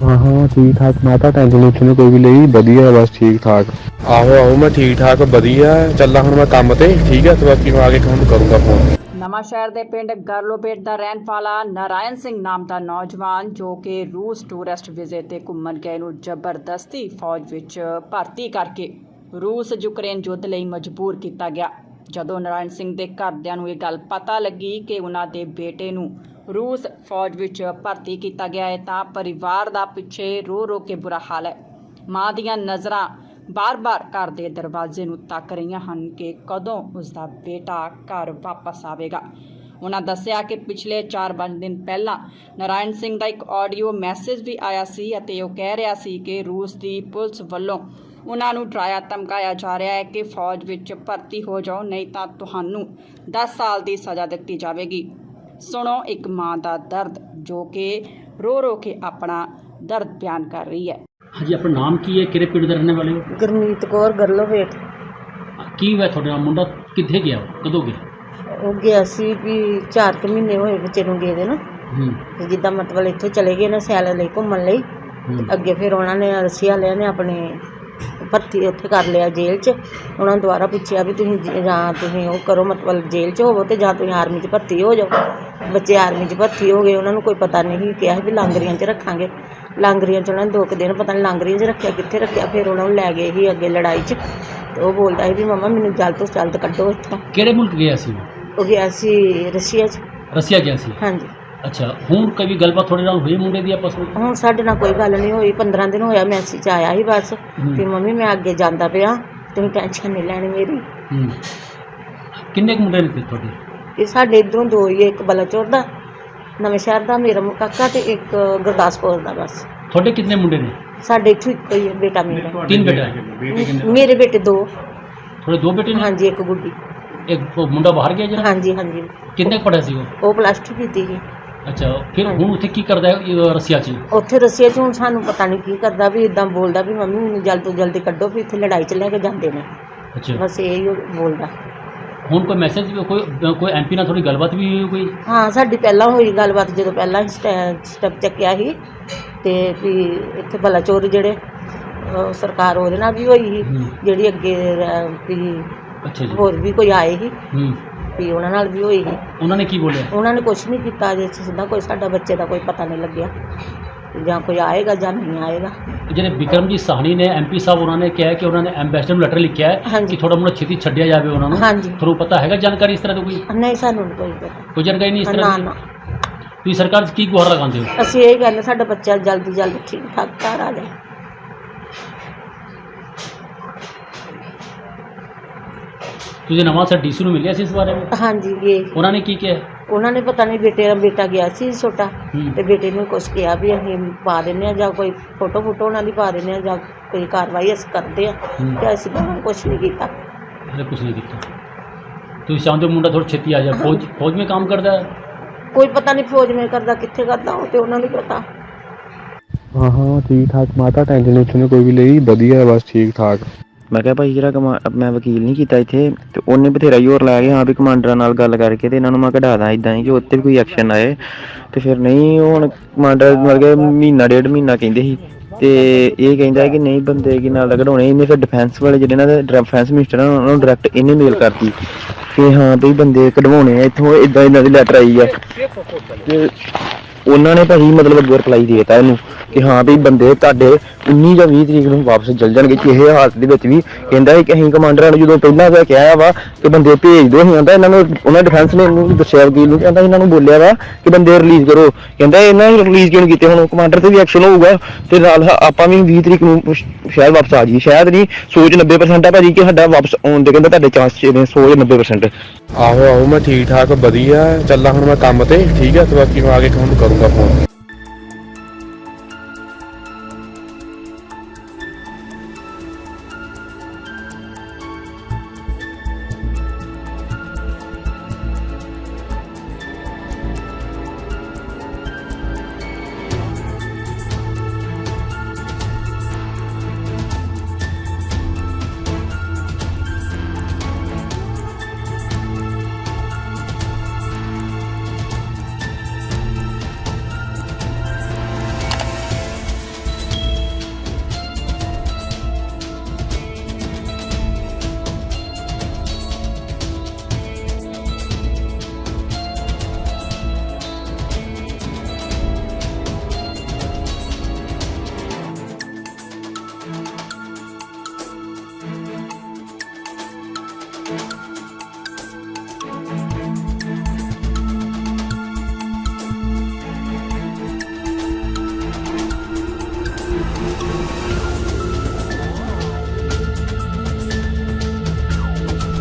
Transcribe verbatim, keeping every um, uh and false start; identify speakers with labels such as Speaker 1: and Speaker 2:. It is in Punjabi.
Speaker 1: हाँ हाँ ठीक ठाक माता टेंशन उठने कोई भी नहीं वधिया बस ठीक ठाक। आहो आहो मैं ठीक ठाक वधिया चलना हुण मैं काम ते ठीक है तो बाकी मैं आगे काम करूँगा फोन।
Speaker 2: ਨਵਾਂਸ਼ਹਿਰ ਦੇ ਪਿੰਡ ਗਰਲੋਬੇਟ ਦਾ ਰਹਿਣ ਵਾਲਾ ਨਾਰਾਇਣ ਸਿੰਘ ਨਾਮ ਦਾ ਨੌਜਵਾਨ ਜੋ ਕਿ ਰੂਸ ਟੂਰਿਸਟ ਵੀਜ਼ੇ ਤੇ ਘੁੰਮਣ ਗਏ ਨੂੰ ਜ਼ਬਰਦਸਤੀ ਫੌਜ ਵਿੱਚ ਭਰਤੀ ਕਰਕੇ ਰੂਸ ਯੂਕਰੇਨ ਯੁੱਧ ਲਈ ਮਜਬੂਰ ਕੀਤਾ ਗਿਆ। ਜਦੋਂ ਨਾਰਾਇਣ ਸਿੰਘ ਦੇ ਘਰਦਿਆਂ ਨੂੰ ਇਹ ਗੱਲ ਪਤਾ ਲੱਗੀ ਕਿ ਉਹਨਾਂ ਦੇ ਬੇਟੇ ਨੂੰ ਰੂਸ ਫੌਜ ਵਿੱਚ ਭਰਤੀ ਕੀਤਾ ਗਿਆ ਹੈ ਤਾਂ ਪਰਿਵਾਰ ਦਾ ਪਿੱਛੇ ਰੋ ਰੋ ਕੇ ਬੁਰਾ ਹਾਲ ਹੈ। ਮਾਂ ਦੀਆਂ ਨਜ਼ਰਾਂ ਬਾਰ-ਬਾਰ ਘਰ ਦੇ ਦਰਵਾਜ਼ੇ ਨੂੰ ਤੱਕ ਰਹੀਆਂ ਹਨ ਕਿ ਕਦੋਂ ਉਸ ਦਾ ਬੇਟਾ ਘਰ ਵਾਪਸ ਆਵੇਗਾ। ਉਹਨਾਂ ਦੱਸਿਆ ਕਿ ਪਿਛਲੇ ਚਾਰ ਪੰਜ ਦਿਨ ਪਹਿਲਾਂ ਨਾਰਾਇਣ ਸਿੰਘ ਦਾ ਇੱਕ ਆਡੀਓ ਮੈਸੇਜ ਵੀ ਆਇਆ ਸੀ ਅਤੇ ਉਹ ਕਹਿ ਰਿਹਾ ਸੀ ਕਿ ਰੂਸ ਦੀ ਪੁਲਿਸ ਵੱਲੋਂ ਉਹਨਾਂ ਨੂੰ ਡਰਾਇਆ ਧਮਕਾਇਆ ਜਾ ਰਿਹਾ ਹੈ ਕਿ ਫੌਜ ਵਿੱਚ ਭਰਤੀ ਹੋ ਜਾਓ ਨਹੀਂ ਤਾਂ ਤੁਹਾਨੂੰ ਦਸ ਸਾਲ ਦੀ ਸਜ਼ਾ ਦਿੱਤੀ ਜਾਵੇਗੀ। ਸੁਣੋ ਇੱਕ ਮਾਂ ਦਾ ਦਰਦ ਜੋ ਕਿ ਰੋ ਰੋ ਕੇ ਆਪਣਾ ਦਰਦ ਬਿਆਨ ਕਰ ਰਹੀ ਹੈ।
Speaker 3: हाँ जी, अपना नाम की है, किहड़े पिंड दे रहने वाले हो?
Speaker 4: गुरमीत कौर गरलोबेट।
Speaker 3: की होया थोड़े नाल मुंडा कित्थे गया कदों गया?
Speaker 4: ਉਹ ਗਿਆ ਸੀ ਵੀ ਚਾਰ ਕੁ ਮਹੀਨੇ ਹੋਏ ਬੱਚੇ ਨੂੰ ਗਏ ਦੇ ਨਾ
Speaker 3: ਹੂੰ
Speaker 4: ਤੇ ਜਿੱਦਾਂ ਮਤਲਬ ਇੱਥੋਂ ਚਲੇ ਗਏ ਨਾ ਸੈਲ ਲਈ ਘੁੰਮਣ ਲਈ ਤੇ ਅੱਗੇ ਫਿਰ ਉਹਨਾਂ ਨੇ ਰਸ਼ੀਆ ਵਾਲਿਆਂ ਨੇ ਆਪਣੇ ਭਰਤੀ ਉੱਥੇ ਕਰ ਲਿਆ ਜੇਲ੍ਹ 'ਚ। ਉਹਨਾਂ ਨੂੰ ਦੁਬਾਰਾ ਪੁੱਛਿਆ ਵੀ ਤੁਸੀਂ ਜ- ਜਾਂ ਤੁਸੀਂ ਉਹ ਕਰੋ ਮਤਲਬ ਜੇਲ੍ਹ 'ਚ ਹੋਵੋ ਤੇ ਜਾਂ ਤੁਸੀਂ ਆਰਮੀ 'ਚ ਭਰਤੀ ਹੋ ਜਾਓ। ਬੱਚੇ ਆਰਮੀ 'ਚ ਭਰਤੀ ਹੋ ਗਏ। ਉਹਨਾਂ ਨੂੰ ਕੋਈ ਪਤਾ ਨਹੀਂ ਕਿਹਾ ਵੀ ਲਾਂਗਰੀਆਂ 'ਚ ਰੱਖਾਂਗੇ। ਲਾਂਗਰੀਆਂ 'ਚ ਉਹਨਾਂ ਨੇ ਦੋ ਕੁ ਦਿਨ ਪਤਾ ਨਹੀਂ ਲਾਂਗਰੀਆਂ 'ਚ ਰੱਖਿਆ ਕਿੱਥੇ ਰੱਖਿਆ। ਫਿਰ ਉਹਨਾਂ ਨੂੰ ਲੈ ਗਏ ਸੀ ਅੱਗੇ ਲੜਾਈ 'ਚ ਤੇ ਉਹ ਬੋਲਦਾ ਸੀ ਵੀ ਮੰਮਾ ਮੈਨੂੰ ਜਲਦ ਤੋਂ ਜਲਦ ਕੱਢੋ ਇੱਥੋਂ।
Speaker 3: ਕਿਹੜੇ ਮੁਲਕ ਗਿਆ ਸੀ ਉਹ?
Speaker 4: ਉਹ ਗਿਆ ਸੀ ਰਸ਼ੀਆ 'ਚ।
Speaker 3: ਰਸੀਆ ਗਿਆ ਸੀ।
Speaker 4: ਹਾਂਜੀ।
Speaker 3: ਅੱਛਾ, ਹੁਣ ਕਦੀ ਗੱਲਬਾਤ ਤੁਹਾਡੇ ਨਾਲ ਹੋਈ ਮੁੰਡੇ ਦੀ ਆਪਸ ਵਿੱਚ?
Speaker 4: ਹੁਣ ਸਾਡੇ ਨਾਲ ਕੋਈ ਗੱਲ ਨਹੀਂ ਹੋਈ। ਪੰਦਰਾਂ ਦਿਨ ਹੋਇਆ ਮੈਸੇਜ ਆਇਆ ਸੀ ਬਸ ਵੀ ਮੰਮੀ ਮੈਂ ਅੱਗੇ ਜਾਂਦਾ ਪਿਆ ਤੁਸੀਂ ਟੈਨਸ਼ਨ ਨਹੀਂ ਲੈਣੀ ਮੇਰੀ।
Speaker 3: ਹੂੰ ਕਿੰਨੇ ਕੁ ਮੁੰਡੇ ਨੇ ਫਿਰ ਤੁਹਾਡੇ?
Speaker 4: ਇਹ ਸਾਡੇ ਇੱਧਰੋਂ ਦੋ ਹੀ ਆ, ਇੱਕ ਬਲਾਚੌਰ ਦਾ ਨਵੇਂ ਸ਼ਹਿਰ ਦਾ ਮੇਰਾ ਕਾਕਾ ਤੇ ਇੱਕ ਗੁਰਦਾਸਪੁਰ ਦਾ। ਬਸ
Speaker 3: ਤੁਹਾਡੇ ਕਿੰਨੇ ਮੁੰਡੇ ਨੇ?
Speaker 4: ਸਾਡੇ ਇੱਥੋਂ ਇੱਕੋ ਹੀ ਹੈ ਬੇਟਾ ਮੇਰਾ।
Speaker 3: ਤਿੰਨ ਬੇਟੇ?
Speaker 4: ਮੇਰੇ ਬੇਟੇ ਦੋ।
Speaker 3: ਤੁਹਾਡੇ ਦੋ ਬੇਟੇ ਨੇ?
Speaker 4: ਹਾਂਜੀ, ਇੱਕ ਗੁੱਡੀ।
Speaker 3: ਇੱਕ ਉਹ ਮੁੰਡਾ ਬਾਹਰ ਗਿਆ ਜਿਹੜਾ?
Speaker 4: ਹਾਂਜੀ ਹਾਂਜੀ।
Speaker 3: ਕਿੰਨੇ ਪੜਿਆ ਸੀ ਉਹ?
Speaker 4: ਉਹ ਪਲੱਸ ਟੂ ਕੀਤੀ ਸੀ।
Speaker 3: ਅੱਛਾ, ਫਿਰ ਹੁਣ ਉੱਥੇ ਕੀ ਕਰਦਾ ਹੈ ਇਹ ਰਸੀਆ 'ਚ?
Speaker 4: ਉੱਥੇ ਰਸ਼ੀਆ 'ਚ ਹੁਣ ਸਾਨੂੰ ਪਤਾ ਨਹੀਂ ਕੀ ਕਰਦਾ ਵੀ ਇਦਾਂ ਬੋਲਦਾ ਵੀ ਮੰਮੀ ਮੈਨੂੰ ਜਲਦ ਤੋਂ ਜਲਦੀ ਕੱਢੋ ਵੀ ਇੱਥੇ ਲੜਾਈ 'ਚ ਲੈ ਕੇ ਜਾਂਦੇ ਨੇ।
Speaker 3: ਅੱਛਾ,
Speaker 4: ਬਸ ਇਹ ਹੀ ਬੋਲਦਾ।
Speaker 3: ਹੁਣ ਕੋਈ ਮੈਸੇਜ ਕੋਈ ਕੋਈ ਐਮਪੀ ਨਾਲ ਥੋੜੀ ਗੱਲਬਾਤ ਵੀ ਹੋਈ ਕੋਈ?
Speaker 4: ਹਾਂ, ਸਾਡੀ ਪਹਿਲਾਂ ਹੋਈ ਗੱਲਬਾਤ ਜਦੋਂ ਪਹਿਲਾਂ ਸਟੈਪ ਚੱਕਿਆ ਸੀ ਤੇ ਵੀ ਇੱਥੇ ਬਲਾਚੌਰ ਜਿਹੜੇ ਅਹ ਸਰਕਾਰ ਉਹਦੇ ਨਾਲ ਵੀ ਹੋਈ ਸੀ ਜਿਹੜੀ ਅੱਗੇ ਅਹ ਵੀ
Speaker 3: ਅੱਛਾ ਜੀ।
Speaker 4: ਹੋਰ ਵੀ ਕੋਈ ਆਏ ਸੀ
Speaker 3: ਹੂੰ
Speaker 4: ਵੀ ਉਹਨਾਂ ਨਾਲ ਵੀ ਹੋਈ ਸੀ।
Speaker 3: ਉਹਨਾਂ ਨੇ ਕੀ ਬੋਲਿਆ?
Speaker 4: ਉਹਨਾਂ ਨੇ ਕੁਛ ਨਹੀਂ ਕੀਤਾ ਜੇ ਸਿੱਧਾ ਕੋਈ ਸਾਡਾ ਬੱਚੇ ਦਾ ਕੋਈ ਪਤਾ ਨਹੀਂ ਲੱਗਿਆ ਜਾਂ ਕੋਈ ਆਏਗਾ ਜਾਂ ਨਹੀਂ ਆਏਗਾ।
Speaker 3: ਜਿਹੜੇ ਬਿਕਰਮਜੀਤ ਸਾਹਨੀ ਨੇ ਐਮਪੀ ਸਾਹਿਬ ਉਹਨਾਂ ਨੇ ਕਿਹਾ ਕਿ ਉਹਨਾਂ ਨੇ ਐਮਬੈਸਡਰ ਨੂੰ ਲੈਟਰ ਲਿਖਿਆ ਹੈ
Speaker 4: ਹਾਂਜੀ।
Speaker 3: ਕਿ ਥੋੜਾ ਮੁੰਡਾ ਛੇਤੀ ਛੱਡਿਆ ਜਾਵੇ ਉਹਨਾਂ ਨੂੰ।
Speaker 4: ਹਾਂਜੀ।
Speaker 3: ਤੁਹਾਨੂੰ ਪਤਾ ਹੈਗਾ ਜਾਣਕਾਰੀ ਇਸ ਤਰ੍ਹਾਂ ਦੀ ਕੋਈ?
Speaker 4: ਨਹੀਂ, ਸਾਨੂੰ ਨਹੀਂ ਕੋਈ ਪਤਾ।
Speaker 3: ਕੋਈ ਜਾਣਕਾਰੀ ਨਹੀਂ ਇਸ
Speaker 4: ਨਾ
Speaker 3: ਤਰ੍ਹਾਂ ਦੀ?
Speaker 4: ਨਾ,
Speaker 3: ਤੁਸੀਂ ਸਰਕਾਰ 'ਚ ਕੀ ਗੁਹਾਰ ਲਗਾਉਂਦੇ ਹੋ?
Speaker 4: ਅਸੀਂ ਇਹ ਕਹਿੰਦੇ ਸਾਡਾ ਬੱਚਾ ਜਲਦੀ ਜਲਦੀ ਠੀਕ ਠਾਕ ਘਰ ਆ ਜਾਏ।
Speaker 3: ਤੁਸੀਂ ਨਵਾਂ ਸਰ ਡੀਸੀ ਨੂੰ ਮਿਲਿਆ ਸੀ ਇਸ ਬਾਰੇ ਵਿੱਚ?
Speaker 4: ਹਾਂਜੀ ਗਏ।
Speaker 3: ਉਹਨਾਂ ਨੇ ਕੀ ਕਿਹਾ?
Speaker 4: ਉਹਨਾਂ ਨੇ ਪਤਾ ਨਹੀਂ ਬੇਟੇ ਦਾ ਬੇਟਾ ਗਿਆ ਸੀ ਛੋਟਾ
Speaker 3: ਹੂੰ।
Speaker 4: ਤੇ ਬੇਟੇ ਨੂੰ ਕੁਛ ਕਿਹਾ ਵੀ ਅਸੀਂ ਪਾ ਦਿੰਦੇ ਹਾਂ ਜਾਂ ਕੋਈ ਫੋਟੋ ਫੋਟੋ ਉਹਨਾਂ ਦੀ ਪਾ ਦਿੰਦੇ ਹਾਂ ਜਾਂ ਕੋਈ ਕਾਰਵਾਈ ਅਸੀਂ ਕਰਦੇ ਹਾਂ
Speaker 3: ਹੂੰ।
Speaker 4: ਤੇ ਅਸੀਂ ਤਾਂ ਕੁਛ ਨਹੀਂ ਕੀਤਾ।
Speaker 3: ਹਲੇ ਕੁਝ ਨਹੀਂ ਕੀਤਾ। ਤੁਸੀਂ ਚਾਹੁੰਦੇ ਹੋ ਮੁੰਡਾ ਥੋੜਾ ਛੇਤੀ ਆ ਜਾਏ? ਫੌਜ ਫੌਜ ਵਿੱਚ ਕੰਮ ਕਰਦਾ ਹੈ?
Speaker 4: ਕੋਈ ਪਤਾ ਨਹੀਂ ਫੌਜ में ਕਰਦਾ ਕਿੱਥੇ ਕਰਦਾ ਉਹ ਤੇ ਉਹਨਾਂ ਨੂੰ ਪਤਾ।
Speaker 1: हाँ हाँ ठीक ठाक माता टेंशन उठने कोई भी नहीं वधिया बस ठीक ठाक।
Speaker 5: ਮੈਂ ਕਿਹਾ ਭਾਈ ਜਿਹੜਾ ਕਮਾ ਮੈਂ ਵਕੀਲ ਨਹੀਂ ਕੀਤਾ ਇੱਥੇ ਤੇ ਉਹਨੇ ਬਥੇਰਾ ਜ਼ੋਰ ਲਾ ਕੇ ਹਾਂ ਵੀ ਕਮਾਂਡਰਾਂ ਨਾਲ ਗੱਲ ਕਰਕੇ ਤੇ ਇਹਨਾਂ ਨੂੰ ਮੈਂ ਕਢਾ ਦਾਂ ਇੱਦਾਂ ਹੀ ਕਿ ਉੱਤੇ ਵੀ ਕੋਈ ਐਕਸ਼ਨ ਆਏ ਤੇ ਫਿਰ ਨਹੀਂ। ਉਹ ਹੁਣ ਕਮਾਂਡਰ ਮਤਲਬ ਕਿ ਮਹੀਨਾ ਡੇਢ ਮਹੀਨਾ ਕਹਿੰਦੇ ਸੀ ਤੇ ਇਹ ਕਹਿੰਦਾ ਕਿ ਨਹੀਂ ਬੰਦੇ ਕੀ ਨਾਲ ਕਢਾਉਣੇ। ਇਹਨੇ ਫਿਰ ਡਿਫੈਂਸ ਵਾਲੇ ਜਿਹੜੇ ਇਹਨਾਂ ਦੇ ਡਿਫੈਂਸ ਮਿਨਿਸਟਰ ਆ ਉਹਨਾਂ ਨੂੰ ਡਾਇਰੈਕਟ ਇਹਨੇ ਮੇਲ ਕਰਤੀ ਕਿ ਹਾਂ ਵੀ ਬੰਦੇ ਕਢਵਾਉਣੇ ਆ ਇੱਥੋਂ ਇੱਦਾਂ ਇਹਨਾਂ ਦੀ ਲੈਟਰ ਆਈ ਆ ਤੇ ਉਹਨਾਂ ਨੇ ਭਾਈ ਮਤਲਬ ਅੱਗੇ ਰਿਪਲਾਈ ਦੇ ਦਿੱਤਾ ਇਹਨੂੰ ਕਿ ਹਾਂ ਵੀ ਬੰਦੇ ਤੁਹਾਡੇ ਉੱਨੀ ਜਾਂ ਵੀਹ ਤਰੀਕ ਨੂੰ ਵਾਪਸ ਚੱਲ ਜਾਣਗੇ। ਕਿਸੇ ਹਾਲਤ ਦੇ ਵਿੱਚ ਵੀ ਕਹਿੰਦਾ ਹੈ ਕਿ ਅਸੀਂ ਕਮਾਂਡਰਾਂ ਨੂੰ ਜਦੋਂ ਪਹਿਲਾਂ ਤਾਂ ਕਿਹਾ ਵਾ ਕਿ ਬੰਦੇ ਭੇਜ ਦਿਓ। ਅਸੀਂ ਕਹਿੰਦਾ ਇਹਨਾਂ ਨੂੰ ਉਹਨਾਂ ਡਿਫੈਂਸ ਨੇ ਇਹਨੂੰ ਦੱਸਿਆ ਵਕੀਲ ਨੂੰ ਕਹਿੰਦਾ ਇਹਨਾਂ ਨੂੰ ਬੋਲਿਆ ਵਾ ਕਿ ਬੰਦੇ ਰਿਲੀਜ਼ ਕਰੋ। ਕਹਿੰਦਾ ਇਹਨਾਂ ਨੂੰ ਰਿਲੀਜ਼ ਕਿਉਂ ਕੀਤੇ? ਹੁਣ ਕਮਾਂਡਰ ਤੇ ਵੀ ਐਕਸ਼ਨ ਹੋਊਗਾ ਤੇ ਨਾਲ ਆਪਾਂ ਵੀ ਵੀਹ ਤਰੀਕ ਨੂੰ ਸ਼ਾਇਦ ਵਾਪਸ ਆ ਜਾਈਏ। ਸ਼ਾਇਦ ਨਹੀਂ, ਸੋਚ ਨੱਬੇ ਪਰਸੈਂਟ ਆ ਭਾਜੀ ਕਿ ਸਾਡਾ ਵਾਪਸ ਆਉਣ ਦੇ ਕਹਿੰਦਾ ਤੁਹਾਡੇ ਚਾਂਸ ਨੇ ਸੌ ਨੱਬੇ ਪਰਸੈਂਟ।
Speaker 1: आहो आहो मैं ठीक ठाक वधिया चलना हुण मैं काम ते ठीक है तो बाकी मैं आगे काम करूँगा फोन।